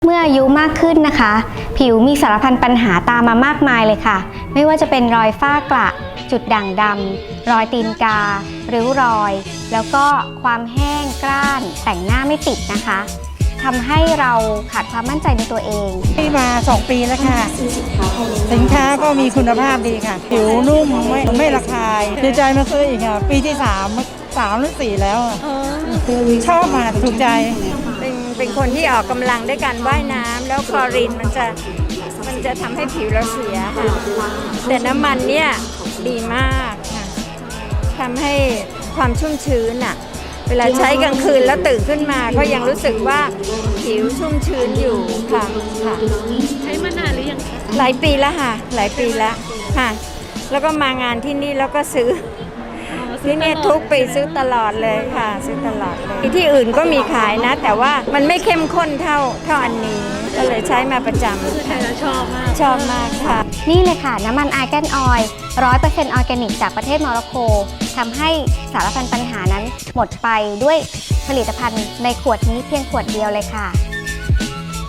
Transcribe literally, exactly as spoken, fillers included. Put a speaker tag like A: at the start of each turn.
A: เมื่ออายุมากขึ้นนะคะ ผิวมีสารพันปัญหาตามมามากมายเลยค่ะไม่ว่าจะเป็นรอยฝ้ากระจุดด่างดำรอยตีนการิ้วรอย แล้วก็ความแห้งกร้านแต่งหน้าไม่ติดนะคะทำให้เราขาดความมั่นใจในตัวเอง
B: ที่มาสองปีแล้วค่ะสินค้าก็มีคุณภาพดีค่ะผิวนุ่มไม่ไม่ระคายดีใจมาซื้ออีกค่ะปีที่สามสามหรือสี่แล้วชอบมาถูกใจ
C: เป็นเป็นคนที่ออกกำลังด้วยการว่ายน้ำแล้วคลอรีนมันจะมันจะทำให้ผิวเราเสียค่ะแต่น้ำมันเนี่ยดีมากค่ะทำให้ความชุ่มชื้นอ่ะเวลาใช้กลางคืนแล้วตื่นขึ้นมาก็ยังรู้สึกว่าผิวชุ่มชื้นอยู่ค่ะค่ะ
D: ใช้มานานหรือยังคะ
C: หลายปีแล้วค่ะหลายปีแล้วค่ะแล้วก็มางานที่นี่แล้วก็ซื้อที่นี่ทุกปีซื้อตลอดเลยค่ะซื้อตลอดเลยที่อื่นก็มีขายนะแต่ว่ามันไม่เข้มข้นเท่าเท่าอันนี้ก็เลยใช้มาประจำ
D: คือใช้แล้วชอบมาก
C: ชอบมากค่ะ
A: นี่เลยค่ะน้ำมันอาร์แกนออยล์ ร้อยเปอร์เซ็นต์ ออร์แกนิกจากประเทศโมร็อกโกทำให้สารพันปัญหานั้นหมดไปด้วยผลิตภัณฑ์ในขวดนี้เพียงขวดเดียวเลยค่ะ